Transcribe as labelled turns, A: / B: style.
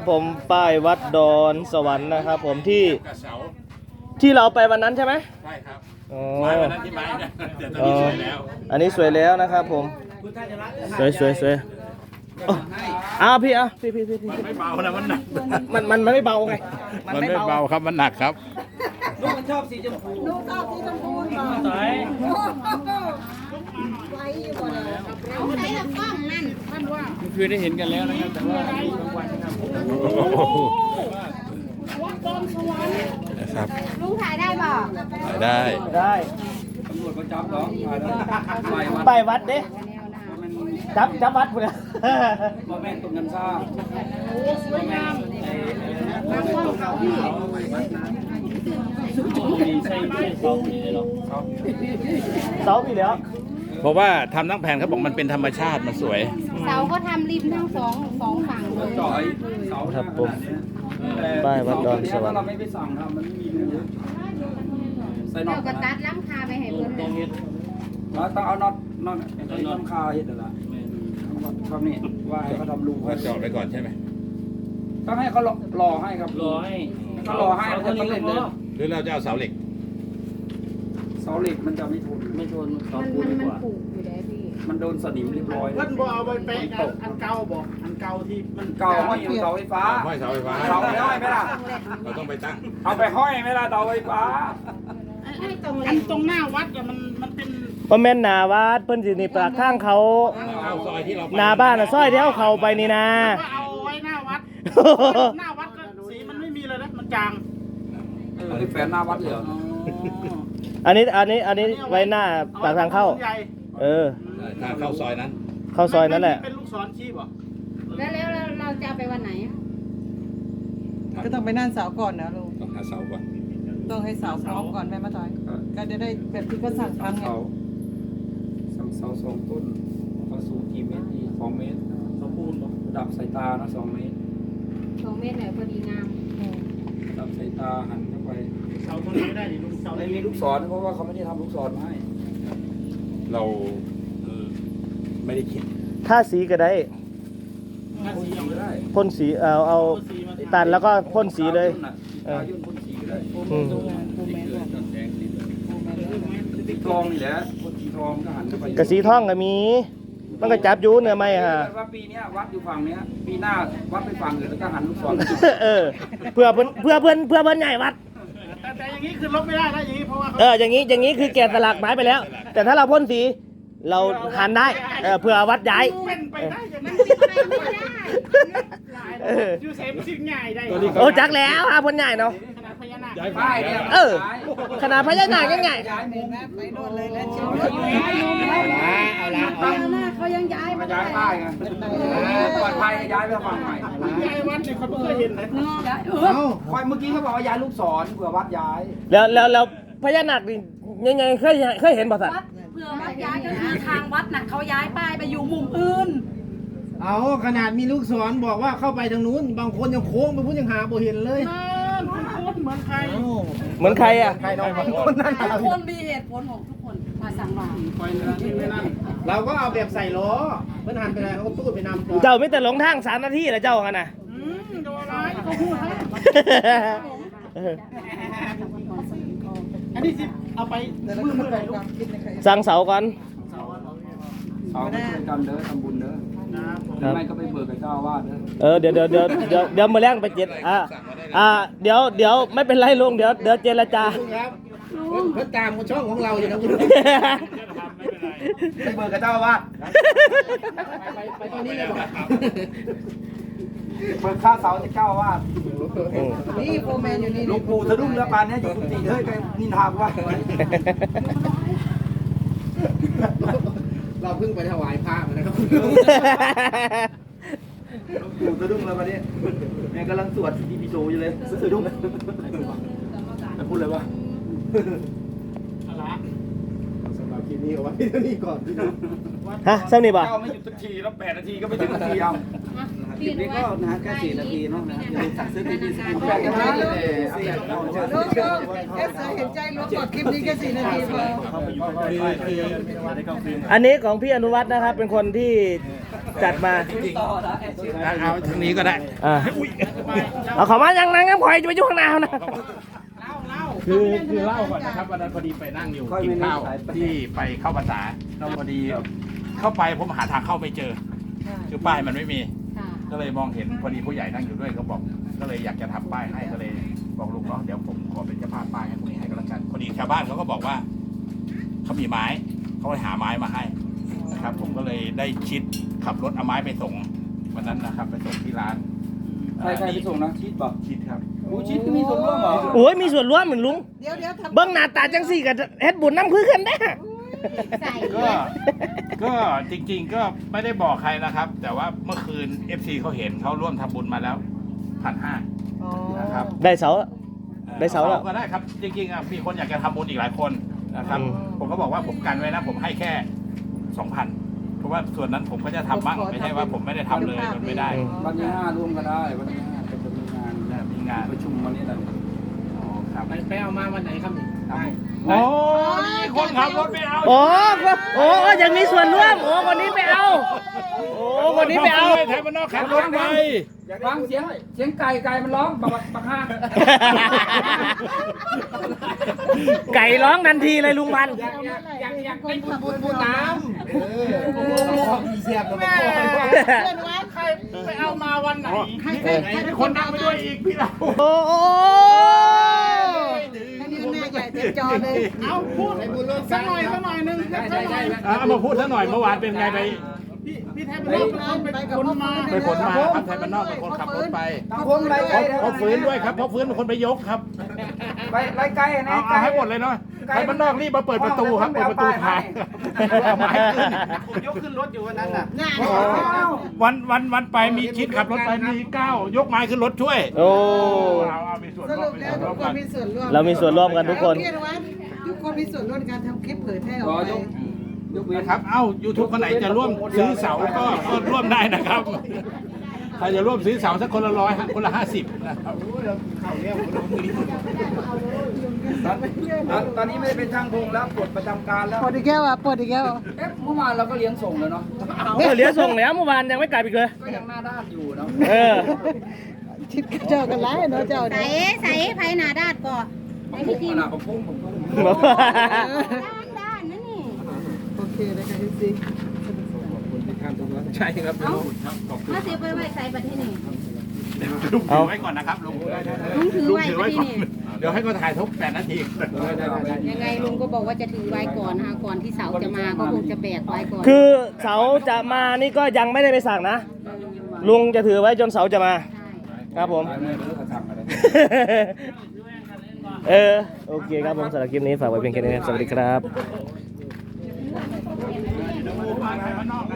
A: ผมป้ายวัดดอนสวรรค์นะครับผมที่เราไปวันนั้นใช่ไหม
B: ใช่ครับ
A: อ๋อ
B: ไม้วันนั้นที่ไม้นะแต่ตอนนี้สวยแล้ว
A: อันนี้สวยแล้วนะครับผมสวยอ้าวพี่พี่
B: มันไม่เบานะมันหนัก
A: มันไม่เบาไง
B: มันไม่เบาครับมันหนักครับ
C: ลูกมันชอบสีชมพูลูกชอบสีชมพูเหรอไว้อยู่บ่เลยเอาไหนละกล้องนั่นท่านว่า
B: คือได้เห็นกันแล้วนะครับแต่ว่าบางวันนะครับ
C: วัดดอนสวรรค์
B: นะครับ
C: ลุงถ่ายได้บ่
B: ได้
D: ตำรวจก็จับเหรอ
A: ไปวัดเด้จับวัดเลย
D: พ่อแม่ตรงกันซ่า
C: โอ้สวยงามบางว่าเขาพี่
A: เสาพี่แล้ว
B: เพราะว่าทำทั้งแผ่นเขาบอกมันเป็นธรรมชาติมันสวย
C: เสาก็ทำริมทั้งสองฝั่งเลย
D: จ่อยเสา
A: ครับผมป้ายวัดดอนสวรร
D: ถ้าเรา
A: ค์
D: ไม่ไปสั่งทำมันไม่มีเนื้อใส่น็อ
C: เจ้า
D: ต
C: กระตัดล้ำคาไปให้เพิ่นเลย
D: แล้วต้องเอาน็อตไอ้น้ำคาเห็ดอะไรครับนี่ว่าให้เขาทำรู
B: ว่าเจาะไปก่อนใช่ไหม
D: ต้องให้เขารอให้ครับรอให้เขารอให้มันจะต้องเล่นเลย
B: หรือเราจะเอาเสาเหล็ก
D: เสาเหล็กมันจะไม่ทน
C: มันผูกอยู่ได้พี่
D: มันโดนสนิมเรียบร้อย
E: เพิ่นบ่เอาไปเป๊ะอันเก่าบอกอันเก่าที่มัน
D: เก่าห้อยอยู่เสาไฟฟ้า
B: ห้อยเสาไฟฟ้า
D: เสาไม่ห้อยไหมล่ะ
B: เราต้องไปตั้ง
D: เอาไปห้อยไหมล่ะเสาไฟฟ้า
E: อันตรงหน้าวัดอะมันเป็น
A: เพราะแม่นหนาวัดเพิ่นสินี่ปากข้างเขา
B: เอาซอยที่เรา
A: หนาบ้านน่ะซอยเดียวเขาไปนี่นะ
E: ก็เอาไว้หน้าวัดหน้าวัดก็สีมันไม่มีเลยนะมันจาง
D: อันนี้แฟนหน้าวัดเหรอ
A: อันนี้ไว้หน้าปากทางเข้า
B: ทางเข้าซอยนั้น
A: เข้าซอยนั่นแหละ
E: เป็นลูกศรชี้บ่
C: แล้วเราจะเอาไปวันไหน
F: ก็ต้องไปนั่นเสาก่อนนะลุง
B: ต้องหาเสาก่อน
F: ต้องให้เสาพร้อมก่อนแม่มาต่อยก็จะได้แบบที่เขาสั่งทำไง
D: เสาสองต้นเขาสูงกี่เมตรดี2 เมตร
E: สมบูรณ์บ่
D: ระดับสายตานะ2 เมตร
C: 2 เมตรเนี่ยพอดีงาม
D: ระดับสายตาหันเข้าไป
E: เสาตรงนี้ไม่ได้ดิลุงเสา
D: ไม่มีลูกศรเพราะว่าเขาไม่ได้ทำลูกศรมาให้
B: เราไม่ได้คิด
A: ถ้าสีก็ได้
E: ถ้าสีเอา
D: ก็ได้
A: พ่นสีเอาตัดแล้วก็พ่นสีเลย
D: ตายุ่นพ่นสีก็ได้
A: อืม
D: ติดทองนี่แหละพ่นสีทองก็หันเข้าไป
A: กระสีท่องก็มี มันก็จับอยูเนื้อไหมฮะ
D: ว่าปีนี้วัดอยู่ฝั่งนี้ปีหน้าวัดไปฝั่งอื่นแล้วก็หันลูกศร
A: เพื่อเพิ่นใหญ่วัด
E: แต่อย่างนี้คือลบไม่ได้นะอย่างนี้เพราะว่าเขา
A: อย่างนี้คือแกะสลักไม้ไปแล้ว แต่ถ้าเราพ่นสีเราหันได้เพื่อวัดย้าย
E: เป็นไปได้อย่างนั้น
C: ไม่ได้
E: ยูเซฟสิ่งใหญ่ได้
A: โอ้จักแล้วพ่นใหญ่เนาะ
E: ขนาดพญานาค
D: ป้ายเนี่ย
A: ขนาดพญานาคยังไง
D: ย้ายมุม
F: ไปโน่นเลยแล้วเชียว
D: เอาละ
C: พญานาคเขายังย้าย
D: มา
C: มา
D: ย้ายป้ายไงปลอดภัยย้ายไปฝั่งใหม่
E: ยายวัดเนี่ยเขาไม่เคยเห็นนะ
D: คอยเมื่อกี้เขาบอกว่าย้ายลูกศรเผื่อวัดย้าย
A: แล้วพญานาคนี่ยังไงเคยเห็นบ่สัตว์
G: เพื่อวัดย้ายก็คือทางวัดน่ะเขาย้ายป้ายไปอยู่มุมอื่น
E: เอาขนาดมีลูกศรบอกว่าเข้าไปทางนู้นบางคนยังโค้งไปพูดยังหาบ่เห็นเลยเหมือนใคร
A: เหมือนใครอ่ะ
E: ใครน้องบางคนนั่น
G: ทุกคนมีเหตุผลของทุกคนมาสั่งมา
E: คอยนี่นั่นเราก็เอาแบบใส่ล้อเพื่อนหันไปไหนเขาก็ตู้ไปนำก่อน
A: เจ้าไม่แต่หลงทาง3 นาทีแล้วเจ้ากันนะ
E: โดนร้ายเขาพูดให้อันนี้สิเอาไปมือไหนลูก
A: สั่งเสาก่อน
D: เอาไปช่วยกันเด้อทำบุญเด้อไม่ก็ไปเบิกกับเจ้าอาวาสเด้อ
A: เดี๋ยวมาแรงไปเจ็ดเดี๋ยวไม่เป็นไรลุงเดี๋ยวเจรจา
E: ครับเพื่อนตามช่องของเราอยู่นะคุณ
D: ไปเบิกกับเจ้าอาวาส
E: ไปตอนนี้เลยบอก
D: เบิกค่าเสาจากเจ้าอาวาส
F: นี่โฟร์แมนอยู่นี่
D: หลวงปู่สะดุ้งเรือปานนี้อยู่กุฏิเฮ้ยไปนินทาว่า
E: เราเพิ่งไปถวายพระมานะครับ
D: หลวงปู่สะดุ้งเรือปานนี้แม่กำลังสวดซีดีพีโซอยู่เลยสะดุ้งจะพูดเลยว่า
E: สำหรับคลิปนี้เอาไว้เท่านี้ก่อนพี่น้อง
A: ฮะเส้นนี่ป่ะ
D: เจ้าไม่หยุดสักทีแล้ว8 นาทีก็ไม่ถึงนาทีเอา
C: พี่
D: ลิปนี้ก็นะแค่4 นาทีเนาะนะอย่าลืมสั่งซื้อทีวีสกินไปกัน
F: ลู
D: ได้
F: กเอสเห็นใจลูกกดคลิปนี้แค่4 นาทีพอ
A: อันนี้ของพี่อนุวัฒน์นะครับ เป็นคนที่จัดมา
B: เอาทางนี้ก็ได้
A: เอาเขามายังนั่งงั้นพอยจะไปยุ่งข้างหน้านะ
B: คือเล่าก่อนนะครับวันนั้นพอดีไปนั่งอยู่กินข้าวที่ไปเข้าภาษาเราพอดีเข้าไปผมหาทางเข้าไม่เจอคือป้ายมันไม่มี ก็เลยมองเห็นพอดีผู้ใหญ่นั่งอยู่ด้วยเขาบอกก็เลยอยากจะทำป้ายให้ก็เลยบอกลุงเนาะเดี๋ยวผมขอเป็นเจ้าภาพป้ายให้พวกนี้ให้ก็แล้วกันพอดีชาวบ้านเขาก็บอกว่าเขามีไม้เขาไปหาไม้มาให้นะครับ ผมก็เลยได้ชิดขับรถเอาไม้ไปส่งวันนั้นนะครับไปส่งที่ร้าน
D: ใครไปส่งนะชีสป่ะ
B: ชิดครับ
D: อู้ชีสก็มีส่วนร่วมเหรอ
A: โอ้ยมีส่วนร่วมเหมือนลุง
F: เดี๋ยวทำ
A: เบิ้งหน้าตาจังสี่กับเฮ็ดบุญน้ำคือกันได้
B: ก็จริงๆก็ไม่ได้บอกใครนะครับ แต่ว่าเมื่อคืน FC เขาเห็นเขาร่วมทำบุญมาแล้ว1,500นะครับ
A: ได้เสาได้เสาแล้ว
B: ก็ได้ครับจริงๆมีคนอยากจะทำบุญอีกหลายคนนะครับ ผมก็บอกว่าผมกันไว้นะผมให้แค่ 2,000 เพราะว่าส่วนนั้นผมก็จะทำบ้างไม่ใช่ว่าผมไม่ได้ทำเลยมันไม่ได้
D: วันที่5ร่วมกันได้วันที่5จะมีงาน
B: มีงาน
D: ประชุมวันนี้แหละ
B: ครับ
E: ไปเอามาวันไหนครับนี่ได้
B: โอ้นี่คนขับรถไม่เอา
A: โอ้ยังมีส่วนร่วม โอ้คนนี้ไปเอา โอ้คนนี้ไปเอา
B: ไทยมันนอกขับรถไป
D: ฟังเสียงไก่มันร้องบักห้าง
A: ไก่ร้องทันทีเลยลุงพันธุ์
E: อยากเป็นพูดน้ำมีเสียบกับ
F: เพื่อนวัด
E: ใครไปเอามาวันไหน
B: มีคนนั่งไปด้วยอีกพี่เรา
A: โอ้
F: ให้นิ้วหน้าใหญ่เต็มจอเลย
E: เอาพูดสักหน่อยนึงสักหน่อย
B: เอามาพูดซะหน่อยเมื่อวานเป็นไงไป
E: พี่แทบไม่ต้องไปคนมา
B: ไปขนมาครับไทยบ้านนอกเป็นคนขับรถไป
D: ผมไรไก่
B: เพราะฟื้นด้วยครับเพราะฟื้นเป็นคนไปยกครับ
D: ไปไรไก่นะ
B: เอาให้หมดเลยเนาะไทยบ้านนอกรีบมาเปิดประตูครับเปิดประตูทางเอาไม้ขึ้น
E: ผมยกขึ้นรถอยู่วันนั้นน่ะ
B: วันไปมีคิดขับรถไปมี9ยกไม้ขึ้นรถช่วย
A: โอ้
B: เอามีส่วน
F: ส
B: ร่ว
F: รุ
B: ม
F: ปแล้วทุกคนมีส่วนร่วม
A: เรามีส่วนร่วมกันทุกคน
F: พี่อนุวัฒน์ทุกคนมีส่วนร่วมในการทำคลิปเผยแพร่ออกไป
B: นะครับเอ้า YouTube คนไหนจะร่วมซื้อเสาก็ร่วมได้นะครับใครจะร่วมซื้อเสาสักคนละ100คนละ50นะครับ
D: ตอนนี้ไม่ได้เป็นช่างพงแล้วปลดประจำการแล้ว
F: ปวดอีกแก้วอ่ะปวดอีกแก้ว
D: เมื่อวานเราก็เลี้ยงส่งเลยเนาะ
A: เหลือส่งแล้วเมื่อวานยังไม่กลับอีกเลย
D: ก็ยังหน้าด้านอยู่เนาะ
A: เออ
F: ชิดเจ้ากันไรเนาะเจ้า
G: ใส่ใส่ไผ่หนาดาดก่อน
D: ผมขนาดผมพุ่ง
G: ด้านนั่นนี่
F: โอเคนะคะพี่ซี
B: ใช่ครับ
G: มาเสียไปไว้ใส่บัตรที่นี่
B: ลุงถือไว้ก่อนนะครับลุง
G: ลุงถือไว้บัตรที่
B: ก่อน
G: นี่
B: เดี๋ยวให้เขาถ่ายทุก8 นาที
G: ยังไงลุงก็บอกว่าจะถือไว้ก่อนนะคะก่อนที่เสาจะมาก็คงจะแบกไว้ก่อน
A: คือเสาจะมานี่ก็ยังไม่ได้ไปสั่งนะ ลุงจะถือไว้จนเสาจะมา ครับผม โอเคครับผมสำหรับคลิปนี้ฝากไว้เพียงแค่นี้นะครับสวัสดีครับ
B: ดูมาไทยบ้านนอก